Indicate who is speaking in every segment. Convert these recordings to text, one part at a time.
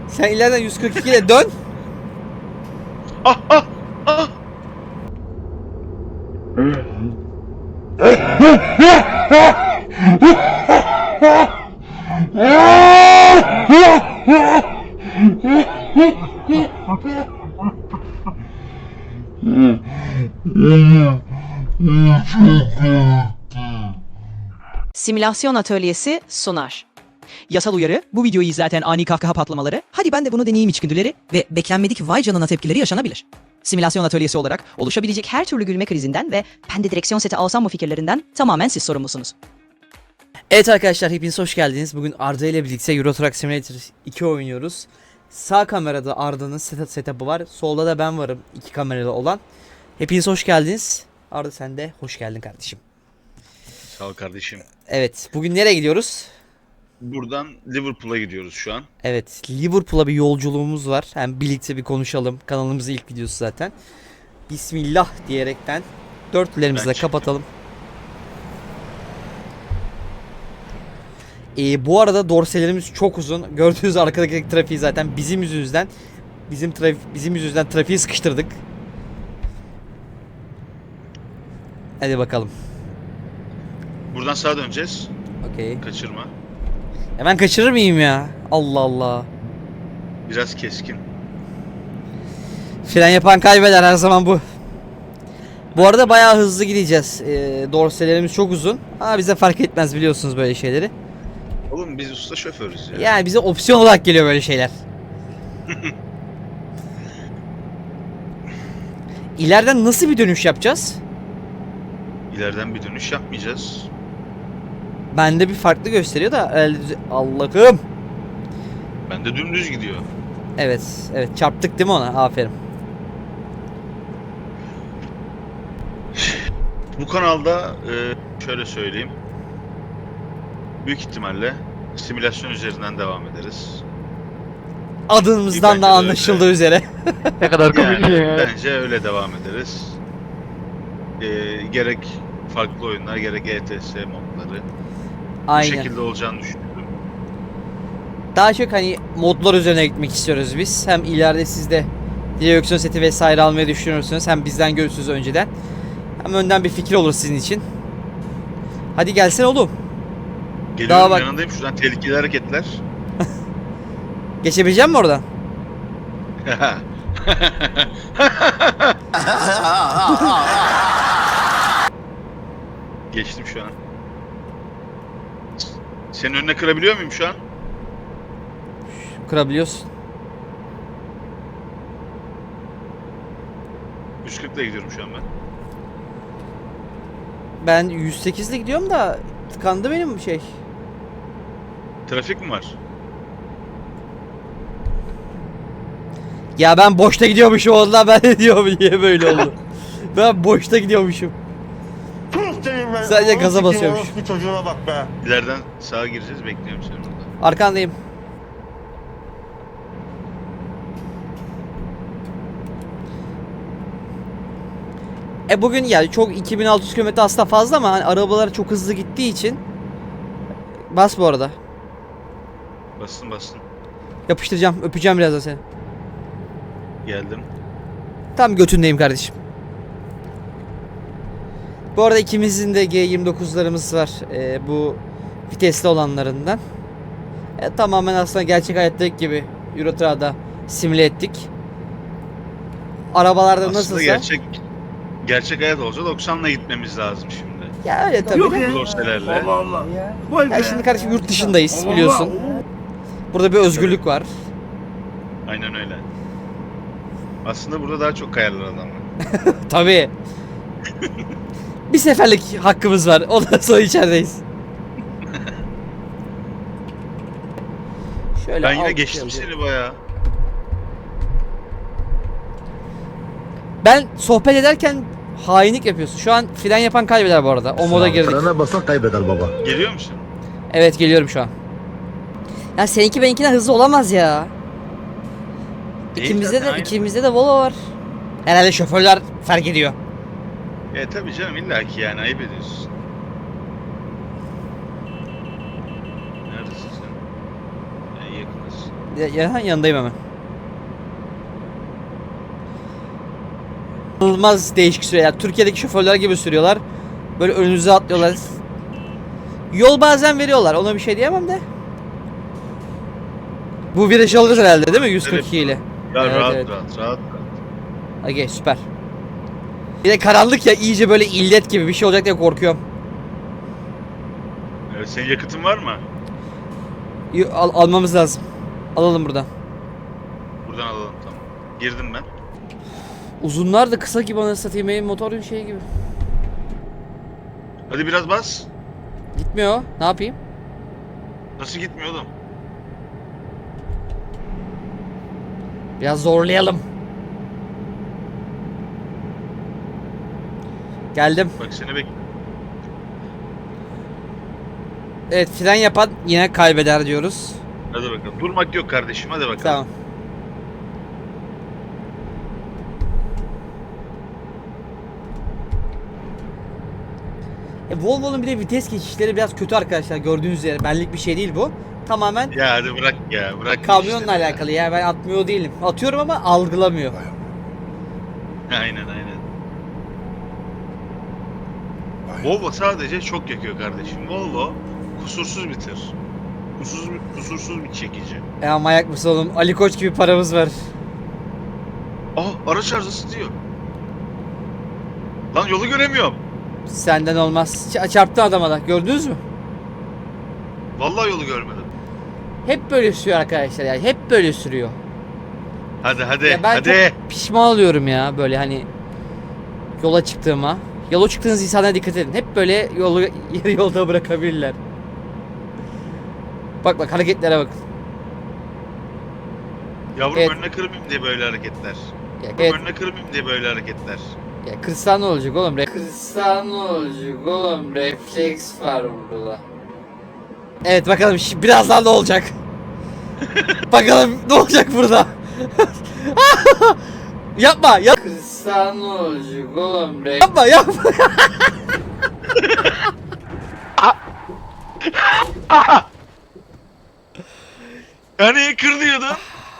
Speaker 1: Sen ileriden 142 ile dön.
Speaker 2: Ah ah ah.
Speaker 3: Simülasyon atölyesi sunar.
Speaker 4: Yasal uyarı, bu videoyu izlerken ani kahkaha patlamaları, hadi ben de bunu deneyeyim içgüdüleri ve beklenmedik vay canına tepkileri yaşanabilir. Simülasyon atölyesi olarak oluşabilecek her türlü gülme krizinden ve ben de direksiyon seti alsam mı fikirlerinden tamamen siz sorumlusunuz.
Speaker 1: Evet arkadaşlar, hepiniz hoş geldiniz. Bugün Arda ile birlikte Euro Truck Simulator 2 oynuyoruz. Sağ kamerada Arda'nın setup'ı var. Solda da ben varım, iki kameralı olan. Hepiniz hoş geldiniz. Arda sen de hoş geldin kardeşim.
Speaker 2: Sağ ol kardeşim.
Speaker 1: Evet, bugün nereye gidiyoruz?
Speaker 2: Buradan Liverpool'a gidiyoruz şu an.
Speaker 1: Evet, Liverpool'a bir yolculuğumuz var. Hem birlikte bir konuşalım. Kanalımızın ilk videosu zaten. Bismillah diyerekten dörtlerimizi de kapatalım. Bu arada dorselerimiz çok uzun. Gördüğünüz arkadaki trafiği zaten bizim yüzümüzden bizim yüzümüzden trafiği sıkıştırdık. Hadi bakalım.
Speaker 2: Buradan sağa döneceğiz.
Speaker 1: Okey.
Speaker 2: Kaçırma.
Speaker 1: Hemen kaçırır mıyım ya? Allah Allah.
Speaker 2: Biraz keskin.
Speaker 1: Fren yapan kaybeder, her zaman bu. Bu arada bayağı hızlı gideceğiz. Dorselerimiz çok uzun. Ama bize fark etmez, biliyorsunuz böyle şeyleri.
Speaker 2: Oğlum biz usta şoförüz ya.
Speaker 1: Yani bize opsiyon olarak geliyor böyle şeyler. İleriden nasıl bir dönüş yapacağız?
Speaker 2: İleriden bir dönüş yapmayacağız.
Speaker 1: Bende bir farklı gösteriyor da Allah'ım.
Speaker 2: Bende dümdüz gidiyor.
Speaker 1: Evet, evet, çarptık değil mi ona? Aferin.
Speaker 2: Bu kanalda şöyle söyleyeyim. Büyük ihtimalle simülasyon üzerinden devam ederiz.
Speaker 1: Adımızdan
Speaker 2: Bence
Speaker 1: da
Speaker 2: de
Speaker 1: anlaşıldığı üzere.
Speaker 5: Ne kadar komik
Speaker 2: Yani
Speaker 5: ya.
Speaker 2: bence öyle devam ederiz. Gerek farklı oyunlar gerek ETS modları. Bu
Speaker 1: Aynen.
Speaker 2: şekilde olacağını düşünüyorum.
Speaker 1: Daha çok hani modlar üzerine gitmek istiyoruz biz. Hem ileride siz de direksiyon seti vesaire almayı düşünürsünüz. Hem bizden görürsünüz önceden. Hem önden bir fikir olur sizin için. Hadi gelsene oğlum.
Speaker 2: Geliyorum,
Speaker 1: Daha bak-
Speaker 2: yanındayım. Şuradan tehlikeli hareketler.
Speaker 1: Geçebilecek misin oradan?
Speaker 2: Geçtim şu an. Senin önüne kırabiliyor muyum şu an?
Speaker 1: Kırabiliyorsun.
Speaker 2: 140 ile gidiyorum şu an ben.
Speaker 1: Ben 108 ile gidiyorum da tıkandı benim şey.
Speaker 2: Trafik mi var?
Speaker 1: Ya ben boşta gidiyormuşum ondan, ben de diyorum niye böyle oldu. Ben boşta gidiyormuşum. Sadece gaza basıyormuş.
Speaker 6: Bir çocuğuna bak be.
Speaker 2: İleriden sağa gireceğiz. Bekliyorum seni burada.
Speaker 1: Arkandayım. Bugün yani çok 2600 km aslında fazla ama hani arabalar çok hızlı gittiği için bas bu arada.
Speaker 2: Bastım bastım.
Speaker 1: Yapıştıracağım, öpeceğim birazdan seni.
Speaker 2: Geldim.
Speaker 1: Tam götündeyim kardeşim. Bu arada ikimizin de G29'larımız var. Bu vitesli olanlarından. Tamamen aslında gerçek hayattaki gibi Euro Truck'da simüle ettik. Arabalarda
Speaker 2: Aslında
Speaker 1: nasılsa.
Speaker 2: gerçek hayat olsa 90'la gitmemiz lazım şimdi.
Speaker 1: Ya öyle tabii.
Speaker 2: Bu dorselerle.
Speaker 6: Allah Allah.
Speaker 1: Ya şimdi kardeşim yurt dışındayız biliyorsun. Burada bir özgürlük var.
Speaker 2: Aynen öyle. Aslında burada daha çok kayarlar adamlar.
Speaker 1: Tabii. Bir seferlik hakkımız var. Ondan sonra içerideyiz. Şöyle
Speaker 2: Ben yine
Speaker 1: alt
Speaker 2: geçtim
Speaker 1: yazıyor.
Speaker 2: seni bayağı.
Speaker 1: Ben sohbet ederken hainlik yapıyorsun. Şu an fren yapan kaybeder bu arada. O moda girdik.
Speaker 6: Frene basan kaybeder baba.
Speaker 2: Geliyor musun?
Speaker 1: Evet, geliyorum şu an. Ya seninki benimkinden hızlı olamaz ya.
Speaker 2: Değil zaten, aynı.
Speaker 1: İkimizde de Volvo var. Herhalde şoförler fark ediyor.
Speaker 2: Tabii canım illaki yani ayıp ediyorsun. Neredesin sen? Yakınız.
Speaker 1: Yanındayım hemen. İnanılmaz değişik sürüyor. Yani Türkiye'deki şoförler gibi sürüyorlar. Böyle önünüze atlıyorlar. Yol bazen veriyorlar. Ona bir şey diyemem de. Bu virajı alırız herhalde değil mi? 142 ile.
Speaker 2: Ya
Speaker 1: Evet,
Speaker 2: rahat,
Speaker 1: evet.
Speaker 2: rahat.
Speaker 1: Okey, süper. Bir de karanlık ya, iyice böyle illet gibi bir şey olacak diye korkuyorum.
Speaker 2: Evet, senin yakıtın var mı?
Speaker 1: Almamız lazım. Alalım buradan.
Speaker 2: Buradan alalım, tamam. Girdim ben.
Speaker 1: Uzunlar da kısa gibi, anasını satayım, benim motorun şey gibi.
Speaker 2: Hadi biraz bas.
Speaker 1: Gitmiyor. Ne yapayım?
Speaker 2: Nasıl gitmiyor oğlum?
Speaker 1: Biraz zorlayalım. Geldim.
Speaker 2: Bak seni bek.
Speaker 1: Evet, fren yapan yine kaybeder diyoruz.
Speaker 2: Hadi bakalım. Durmak yok kardeşim, hadi bakalım.
Speaker 1: Tamam. Volvo'nun bir de vites geçişleri biraz kötü arkadaşlar, gördüğünüz üzere. Benlik bir şey değil bu. Tamamen
Speaker 2: Ya hadi bırak ya, bırak.
Speaker 1: kamyonla
Speaker 2: işleri ya.
Speaker 1: alakalı ya. Ben atmıyor değilim. Atıyorum ama algılamıyor.
Speaker 2: Aynen. Volvo sadece çok yakıyor kardeşim. Volvo kusursuz bir tır. Kusursuz bir çekici.
Speaker 1: Ya manyak mısın oğlum? Ali Koç gibi paramız var.
Speaker 2: Araç arızası diyor. Lan yolu göremiyorum.
Speaker 1: Senden olmaz. Çarptı adama da. Gördünüz mü?
Speaker 2: Vallahi yolu görmedim.
Speaker 1: Hep böyle sürüyor arkadaşlar ya. Hep böyle sürüyor.
Speaker 2: Hadi
Speaker 1: Ya ben
Speaker 2: hadi.
Speaker 1: çok pişman oluyorum ya böyle hani yola çıktığıma. Yola çıktığınız insanlara dikkat edin. Hep böyle yolu yarı yolda bırakabilirler. Bak hareketlere bak.
Speaker 2: Yavrum
Speaker 1: Evet.
Speaker 2: önüne kırmayayım diye böyle hareketler.
Speaker 1: Ya,
Speaker 2: Yavrum
Speaker 1: evet,
Speaker 2: önüne kırmayayım diye böyle hareketler.
Speaker 1: ya kırsan ne olacak oğlum? Kırsan ne olacak oğlum? Refleks var burada. Evet bakalım birazdan ne olacak? Bakalım ne olacak burada? Yapma. Kırsan ne olacak oğlum? Yapma.
Speaker 2: Yani kır diyordun.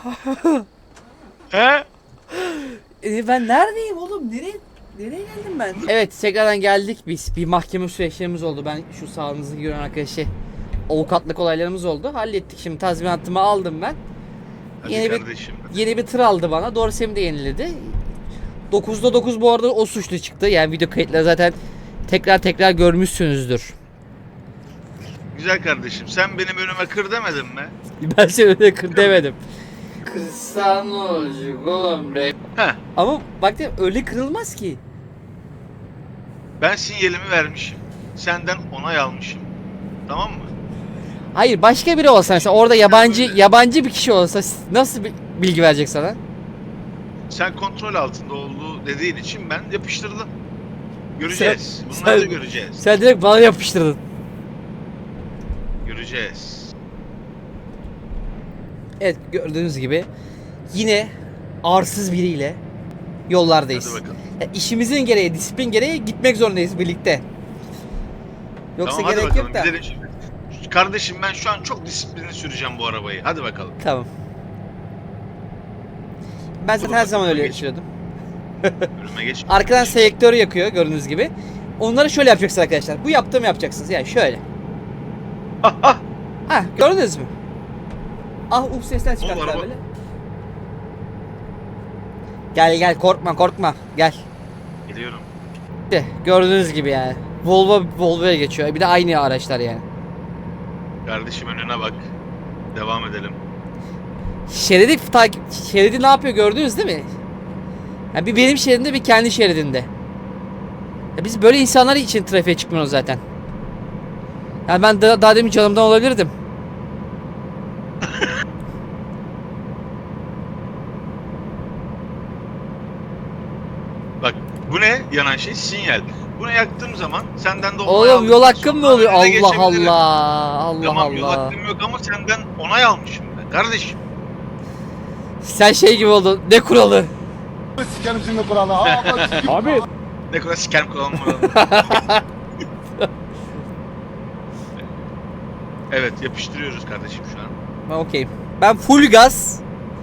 Speaker 2: He?
Speaker 1: Ben neredeyim oğlum? Nereye geldim ben? Evet, tekrardan geldik biz. Bir mahkeme süreçlerimiz oldu. Ben şu sağınızı gören arkadaşı avukatlık olaylarımız oldu. Hallettik, şimdi tazminatımı aldım ben.
Speaker 2: Hadi
Speaker 1: Yeni
Speaker 2: kardeşim.
Speaker 1: Yeni bir tır aldı bana. Dorsem'i de yeniledi. 9'da 9 bu arada o suçlu çıktı. Yani video kayıtları zaten tekrar görmüşsünüzdür.
Speaker 2: Güzel kardeşim. Sen benim önüme kır demedin mi?
Speaker 1: Ben seni öyle kır demedim. Kırsan ne olacak oğlum?
Speaker 2: Heh.
Speaker 1: Ama bak ya, öyle kırılmaz ki.
Speaker 2: Ben sinyalimi vermişim. Senden onay almışım. Tamam mı?
Speaker 1: Hayır, başka biri olsa mesela orada yabancı bir kişi olsa nasıl bir bilgi verecek sana?
Speaker 2: Sen kontrol altında olduğu dediğin için ben yapıştırdım. Göreceğiz. Bunları da
Speaker 1: sen-
Speaker 2: göreceğiz.
Speaker 1: Sen direkt bana yapıştırdın.
Speaker 2: Göreceğiz.
Speaker 1: Evet, gördüğünüz gibi yine arsız biriyle yollardayız.
Speaker 2: Hadi bakalım.
Speaker 1: Ya işimizin gereği, disiplin gereği gitmek zorundayız birlikte. Yoksa
Speaker 2: Tamam, hadi
Speaker 1: gerek
Speaker 2: bakalım.
Speaker 1: yok da.
Speaker 2: Gidelim şimdi. Kardeşim ben şu an çok disiplinli süreceğim bu arabayı. Hadi bakalım.
Speaker 1: Tamam. Ben zaten her zaman öyle sürüyordum.
Speaker 2: Önüme geç.
Speaker 1: Arkadan selektörü yakıyor gördüğünüz gibi. Onları şöyle yapacaksınız arkadaşlar. Bu yaptığımı yapacaksınız. Yani şöyle. Ha, gördünüz mü? Sesler çıkarttılar
Speaker 2: araba-
Speaker 1: böyle. Gel korkma gel.
Speaker 2: Gidiyorum.
Speaker 1: İşte gördüğünüz gibi yani. Volvo'ya geçiyor. Bir de aynı araçlar yani.
Speaker 2: Kardeşim önüne bak. Devam edelim.
Speaker 1: Şeridi ne yapıyor gördünüz değil mi? Yani bir benim şeridimde, bir kendi şeridinde. Ya biz böyle insanlar için trafiğe çıkmıyoruz zaten. Yani ben daha demin canımdan olabilirdim.
Speaker 2: Bak bu ne? Yanan şey sinyal. Bunu yaktığım zaman senden de onay
Speaker 1: Oğlum yol
Speaker 2: aldıktan
Speaker 1: hakkım mı
Speaker 2: sonra
Speaker 1: oluyor?
Speaker 2: önüne
Speaker 1: Allah
Speaker 2: geçebilirim.
Speaker 1: Allah. Allah
Speaker 2: Tamam yol
Speaker 1: Allah.
Speaker 2: hakkım yok ama senden onay almışım ben. Kardeşim.
Speaker 1: Sen şey gibi oldun. Ne kuralı?
Speaker 6: Sikerim şimdi kuralı. Abi.
Speaker 2: Ne kadar sikerim kullanmam. Evet yapıştırıyoruz kardeşim şu an.
Speaker 1: Ben okeyim. Ben full gaz.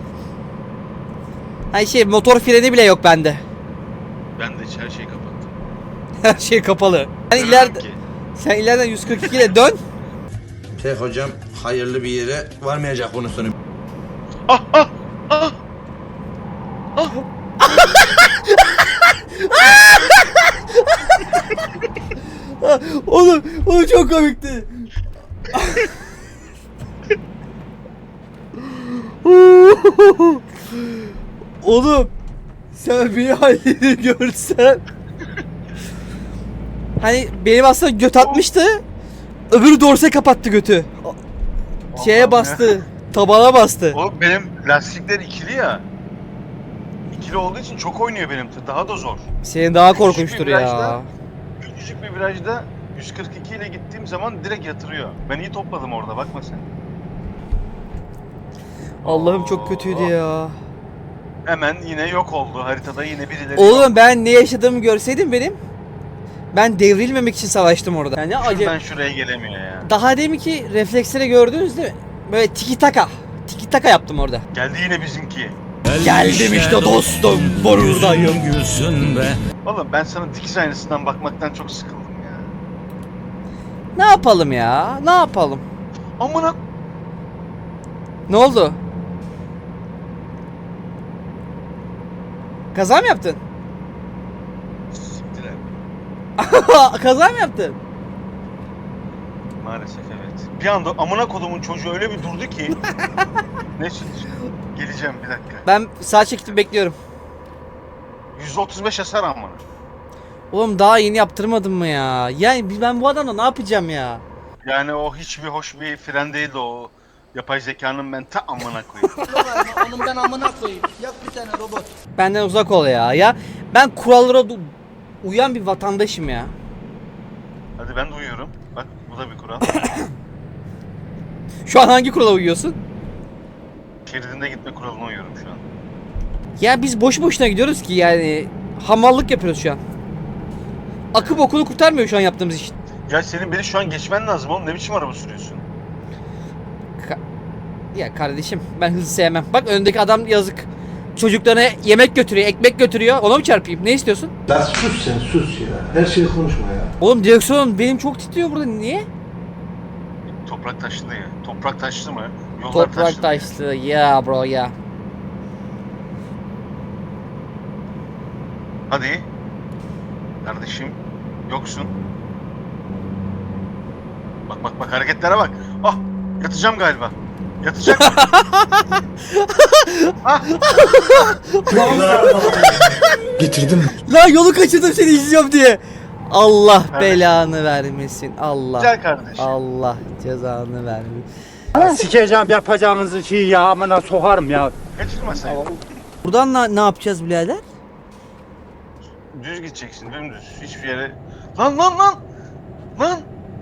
Speaker 1: Hani şey motor freni bile yok bende.
Speaker 2: Ben de her şeyi kapattım.
Speaker 1: Her şey kapalı. Sen
Speaker 2: Dönemem
Speaker 1: ileride,
Speaker 2: ki.
Speaker 1: sen ileriden 142 ile dön.
Speaker 5: Hocam hayırlı bir yere varmayacak bunun sonu.
Speaker 2: Ah ah ah.
Speaker 1: Oğlum çok komikti. Oğlum sen bir halini görsen. Hani benim aslında göt atmıştı. Öbürü dorse kapattı götü. Şeye
Speaker 2: Allah'ım
Speaker 1: bastı. Tabana bastı.
Speaker 2: Oğlum benim lastikler ikili ya. İkili olduğu için çok oynuyor benim tır. Daha da zor.
Speaker 1: Senin daha
Speaker 2: Küçük bir
Speaker 1: korkunçtur ya.
Speaker 2: virajda- Küçücük bir virajda 142 ile gittiğim zaman direkt yatırıyor. Ben iyi topladım orada, bakma sen.
Speaker 1: Allah'ım çok kötüydü ya.
Speaker 2: Hemen yine yok oldu. Haritada yine birileri yok.
Speaker 1: Oğlum ben ne yaşadığımı görseydin benim. Ben devrilmemek için savaştım orada. Yani
Speaker 2: Şuradan
Speaker 1: acayip.
Speaker 2: şuraya gelemiyor ya.
Speaker 1: Daha demin ki refleksleri gördünüz değil mi? Böyle tiki taka. Tiki taka yaptım orada.
Speaker 2: Geldi yine bizimki.
Speaker 1: Geldim işte dostum. Buradayım.
Speaker 2: Oğlum ben sana dikiz aynasından bakmaktan çok sıkıldım ya.
Speaker 1: Ne yapalım ya? Ne yapalım?
Speaker 2: Amına
Speaker 1: Ne oldu? Kaza mı yaptın?
Speaker 2: siktiler.
Speaker 1: Kaza mı yaptın?
Speaker 2: Maalesef evet. Bir anda amına kodumun çocuğu öyle bir durdu ki. Neyse geleceğim bir dakika.
Speaker 1: Ben sağ çektim bekliyorum.
Speaker 2: 135 hasar amına.
Speaker 1: Oğlum daha yeni yaptırmadım mı ya? Yani ben bu adamla ne yapacağım ya?
Speaker 2: Yani o hiçbir hoş bir fren değildi o. Yapay zekanın ben ta amına koyayım.
Speaker 7: Onun ben amına koyayım. Yap bir tane robot.
Speaker 1: Benden uzak ol ya. Ya ben kurallara uyan bir vatandaşım ya.
Speaker 2: Hadi ben de uyuyorum. Bak bu da bir kural.
Speaker 1: Şu an hangi kurala uyuyorsun?
Speaker 2: Şeridinde gitme kuralına uyuyorum şu an.
Speaker 1: Ya biz boşu boşuna gidiyoruz ki yani hamallık yapıyoruz şu an. Akı bokunu kurtarmıyor şu an yaptığımız iş.
Speaker 2: Ya senin beni şu an geçmen lazım oğlum. Ne biçim araba sürüyorsun?
Speaker 1: Ya kardeşim ben hızlı sevmem. Bak öndeki adam yazık. Çocuklarına yemek götürüyor, ekmek götürüyor. Ona mı çarpayım? Ne istiyorsun?
Speaker 6: Lan sus sen sus ya. Her şeyi konuşma ya.
Speaker 1: Oğlum direksiyon benim çok titriyor burada. Niye?
Speaker 2: Toprak taşlı ya. Toprak taşlı mı? Yollar
Speaker 1: Toprak
Speaker 2: mı?
Speaker 1: taşlı. Ya bro ya.
Speaker 2: Hadi. Kardeşim. Yoksun. Bak bak bak hareketlere bak. Ah yatacağım galiba. Yatacak mı?
Speaker 6: Getirdim.
Speaker 1: Lan yolu kaçırdım seni izliyorum diye. Allah
Speaker 2: Evet.
Speaker 1: belanı vermesin. Allah.
Speaker 2: Güzel kardeşim.
Speaker 1: Allah cezanı vermesin.
Speaker 7: Sikeceğim yapacağınızı şeyi ya amına sokarım ya.
Speaker 2: Kaçırma sen.
Speaker 1: Buradan ne yapacağız birader?
Speaker 2: Düz gideceksin dümdüz. Hiçbir yere... Lan lan lan! Lan!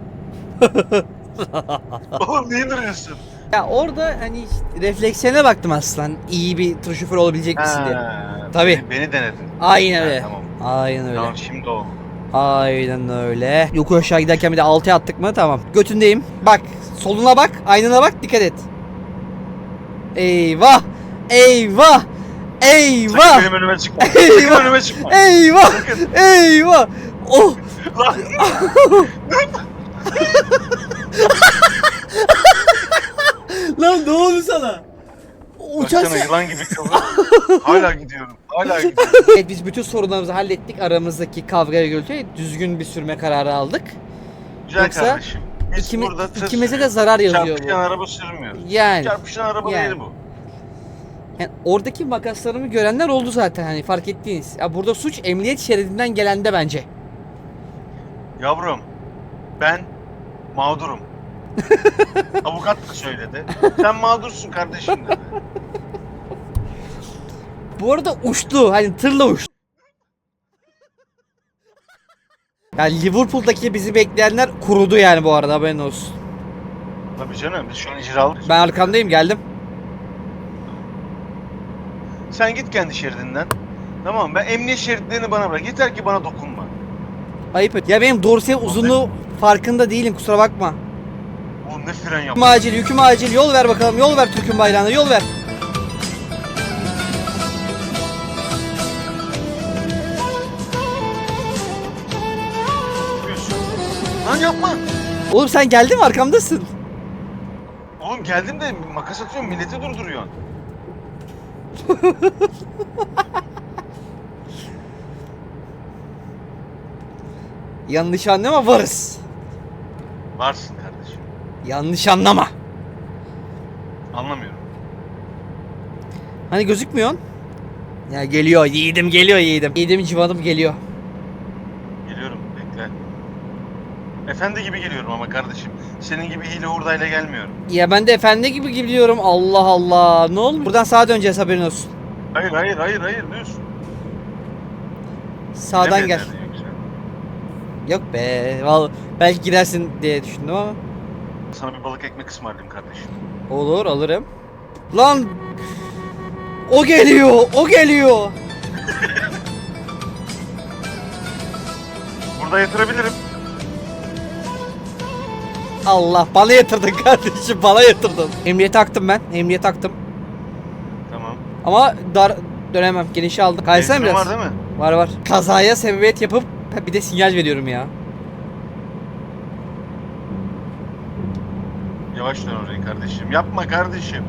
Speaker 2: Oğlum niye duruyorsun?
Speaker 1: Ya orada hani işte reflekslerine baktım aslan. İyi bir tır şoförü olabilecek misin diye.
Speaker 2: Ha,
Speaker 1: Tabii.
Speaker 2: Beni denedin.
Speaker 1: Aynen
Speaker 2: Ha,
Speaker 1: öyle.
Speaker 2: tamam.
Speaker 1: Aynen öyle.
Speaker 2: Tamam şimdi oldu.
Speaker 1: Aynen öyle. Yokuş aşağı giderken bir de 6'ya attık mı tamam. Götündeyim. Bak soluna bak, aynana bak, dikkat et. Eyvah! Eyvah! Eyvah!
Speaker 2: Sakın benim önüme çıkma. Sakın
Speaker 1: Eyvah!
Speaker 2: önüme çıkma.
Speaker 1: Eyvah!
Speaker 2: Sakın.
Speaker 1: Eyvah! Oh!
Speaker 2: Lan!
Speaker 1: Lan ne oldu sana? Uçak
Speaker 2: Baksana yılan gibi kıvrım. Hala gidiyorum. Hala gidiyorum.
Speaker 1: Evet biz bütün sorunlarımızı hallettik. Aramızdaki kavgaya gölge düzgün bir sürme kararı aldık.
Speaker 2: Güzel
Speaker 1: Yoksa
Speaker 2: kardeşim. Biz
Speaker 1: İkimiz,
Speaker 2: burada tır
Speaker 1: ikimize de
Speaker 2: sürüyoruz.
Speaker 1: zarar yazıyor
Speaker 2: Çarpışan
Speaker 1: bu.
Speaker 2: araba sürmüyoruz.
Speaker 1: Yani,
Speaker 2: Çarpışan araba
Speaker 1: yani.
Speaker 2: değil bu.
Speaker 1: yani oradaki makaslarımı görenler oldu zaten hani fark ettiğiniz. Ya burada suç emniyet şeridinden gelende bence.
Speaker 2: Yavrum ben mağdurum. Avukat da söyledi. Sen mağdursun kardeşim dedi.
Speaker 1: Bu arada uçtu. Hani tırla uçtu. Yani Liverpool'daki bizi bekleyenler kurudu yani bu arada haberin olsun.
Speaker 2: Tabii canım biz şu an icralık.
Speaker 1: Ben arkandayım geldim.
Speaker 2: Sen git kendi şeridinden. Tamam ben emniyet şeritlerini bana bırak. Yeter ki bana dokunma.
Speaker 1: Ayıp et. Ya benim dorse uzunluğu farkında değilim kusura bakma.
Speaker 2: Oğlum ne fren
Speaker 1: Yüküm
Speaker 2: yaptın?
Speaker 1: acil, yüküm acil. Yol ver bakalım. Yol ver Türk'ün bayrağına. Yol ver.
Speaker 2: Yapıyorsun. Lan yapma.
Speaker 1: Oğlum sen geldin mi? Arkamdasın.
Speaker 2: Oğlum geldim de makas atıyorum milleti durduruyorsun.
Speaker 1: Yanlış anlama, varız.
Speaker 2: Varsın kardeşim.
Speaker 1: Yanlış anlama.
Speaker 2: Anlamıyorum.
Speaker 1: Hani gözükmüyorsun? Ya geliyor yiğidim, geliyor yiğidim. Yiğidim civanım geliyor.
Speaker 2: Geliyorum bekle. Efendi gibi geliyorum ama kardeşim. Senin gibi hile hurdayla gelmiyorum.
Speaker 1: Ya ben de efendi gibi gidiyorum. Allah Allah. Ne oldu? Buradan sağa döneceğiz, haberin olsun.
Speaker 2: Hayır düz.
Speaker 1: Sağdan gel.
Speaker 2: Bilemediler yoksa.
Speaker 1: Yok be. Vallahi belki girersin diye düşündüm ama.
Speaker 2: Sana bir balık ekmek ısmarlayayım kardeşim.
Speaker 1: Olur, alırım. Lan! O geliyor, o geliyor.
Speaker 2: Burada yatırabilirim.
Speaker 1: Allah, bana yatırdın kardeşim, bana yatırdın. Emniyete taktım ben, emniyete taktım.
Speaker 2: Tamam.
Speaker 1: Ama dar dönemem, genişe aldım. Kaysana
Speaker 2: Benzinim
Speaker 1: biraz.
Speaker 2: var değil mi?
Speaker 1: Var. Kazaya sebebiyet yapıp bir de sinyal veriyorum ya.
Speaker 2: Yavaş dön orayı kardeşim. Yapma kardeşim.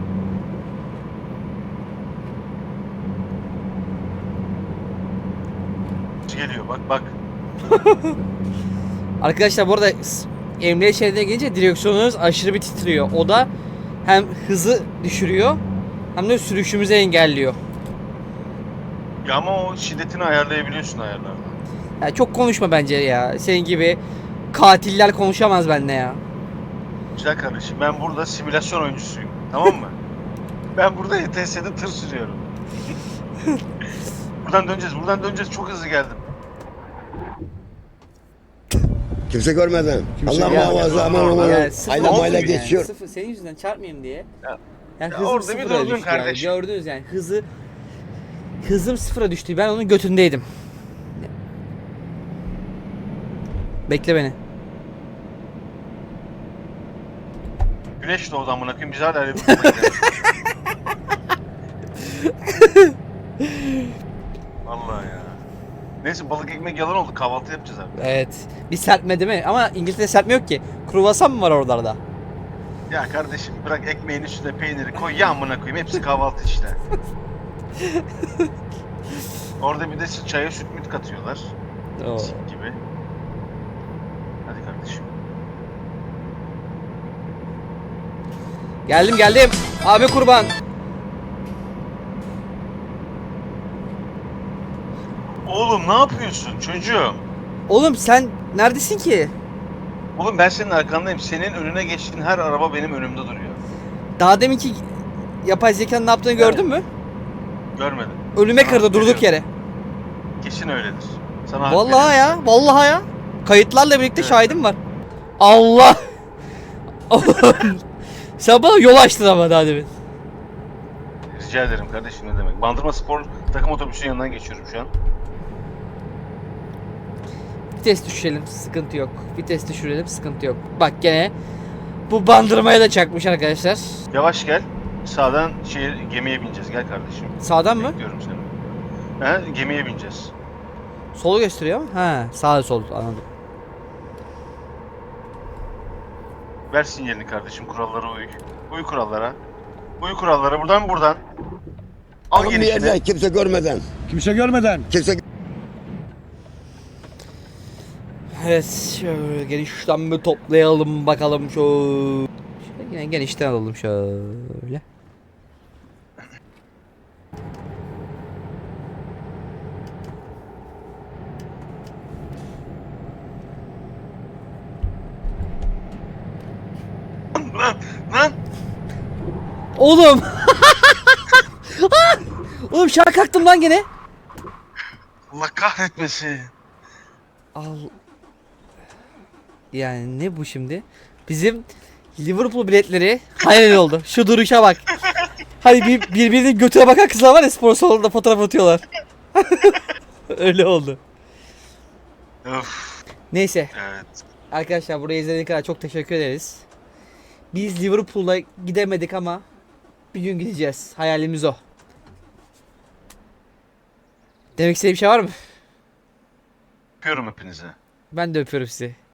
Speaker 2: Geliyor bak.
Speaker 1: Arkadaşlar bu arada emniyet şeridine gelince direksiyonunuz aşırı bir titriyor. O da hem hızı düşürüyor hem de sürüşümüzü engelliyor.
Speaker 2: Ya ama o şiddetini ayarlayabiliyorsun ayarlarda.
Speaker 1: Ya çok konuşma bence ya. Senin gibi katiller konuşamaz benimle ya.
Speaker 2: Güzel kardeşim ben burada simülasyon oyuncusuyum. Tamam mı? Ben burada ETS'de tır sürüyorum. Buradan döneceğiz. Çok hızlı geldim.
Speaker 8: Kimse görmeden. Allah
Speaker 1: Ya-
Speaker 8: muhafaza aman
Speaker 1: Ya
Speaker 8: aman.
Speaker 1: sıfır
Speaker 8: Aynamayla
Speaker 1: olsun yani.
Speaker 8: geçiyor.
Speaker 1: Sıfır, senin yüzünden çarpmayayım diye.
Speaker 2: Ya-
Speaker 1: Yani
Speaker 2: ya
Speaker 1: hızım
Speaker 2: orada bir
Speaker 1: sıfıra
Speaker 2: durdun
Speaker 1: düştü yani.
Speaker 2: kardeşim.
Speaker 1: Gördünüz yani hızım sıfıra düştü. Ben onun götündeydim. Bekle beni.
Speaker 2: Güneş doğdu amına koyayım. Biz hala öyle bir duruma gidelim. Vallahi ya. Neyse balık ekmek yalan oldu. Kahvaltı yapacağız abi.
Speaker 1: Evet. Bir serpme değil mi? Ama İngiltere serpme yok ki. Kruvasan mı var oralarda?
Speaker 2: Ya kardeşim bırak ekmeğin üstüne peyniri koy ya amına koyayım. Hepsi kahvaltı işte. Orada bir de çaya süt müt katıyorlar.
Speaker 1: Oo.
Speaker 2: Sik gibi. Hadi kardeşim.
Speaker 1: Geldim. Abi kurban.
Speaker 2: Oğlum ne yapıyorsun çocuğum?
Speaker 1: Oğlum sen neredesin ki?
Speaker 2: Oğlum ben senin arkandayım. Senin önüne geçtiğin her araba benim önümde duruyor.
Speaker 1: Daha deminki yapay zekanın ne yaptığını gördün mü?
Speaker 2: Görmedim.
Speaker 1: Ölüme
Speaker 2: Sana
Speaker 1: kırdı durduk
Speaker 2: veriyorum.
Speaker 1: yere.
Speaker 2: Kesin öyledir. Sana hak
Speaker 1: Vallahi
Speaker 2: veriyorum.
Speaker 1: ya, vallahi ya. Kayıtlarla birlikte
Speaker 2: Evet.
Speaker 1: şahidim var. Allah! Oğlum, sen bana yol açtın ama daha demin.
Speaker 2: Rica ederim kardeşim ne demek. Bandırma Spor takım otobüsünün yanından geçiyorum şu an.
Speaker 1: Vites düşürelim, sıkıntı yok. Vites düşürelim, sıkıntı yok. Bak gene bu bandırmaya da çakmış arkadaşlar.
Speaker 2: Yavaş gel. Sağdan gemiye bineceğiz. Gel kardeşim.
Speaker 1: Sağdan mı?
Speaker 2: Bekliyorum seni. He, gemiye bineceğiz.
Speaker 1: Solu gösteriyor mu? Ha, sağ sol anladım.
Speaker 2: Ver sinyalini kardeşim. Kurallara uy. Uy kurallara. Uy kurallara. Buradan. Al
Speaker 8: Alın bir
Speaker 2: gelişini.
Speaker 8: yerden kimse görmeden.
Speaker 6: Kimse görmeden.
Speaker 8: Kimse
Speaker 1: Evet, şöyle genişten bir toplayalım bakalım şöyle. Yine genişten alalım şöyle.
Speaker 2: Lan.
Speaker 1: Oğlum! Oğlum şarkı kalktım lan gene.
Speaker 2: Allah kahretmesin.
Speaker 1: Al. Yani ne bu şimdi? Bizim Liverpool biletleri hayal oldu. Şu duruşa bak. Hani birbirinin götüne bakan kızlar var ya spor salonunda fotoğraf atıyorlar. Öyle oldu.
Speaker 2: Öf.
Speaker 1: Neyse
Speaker 2: Evet.
Speaker 1: arkadaşlar burayı izlediğiniz kadar çok teşekkür ederiz. Biz Liverpool'a gidemedik ama bir gün gideceğiz. Hayalimiz o. Demek istediğim bir şey var mı?
Speaker 2: Öpüyorum hepinizi.
Speaker 1: Ben de öpüyorum sizi.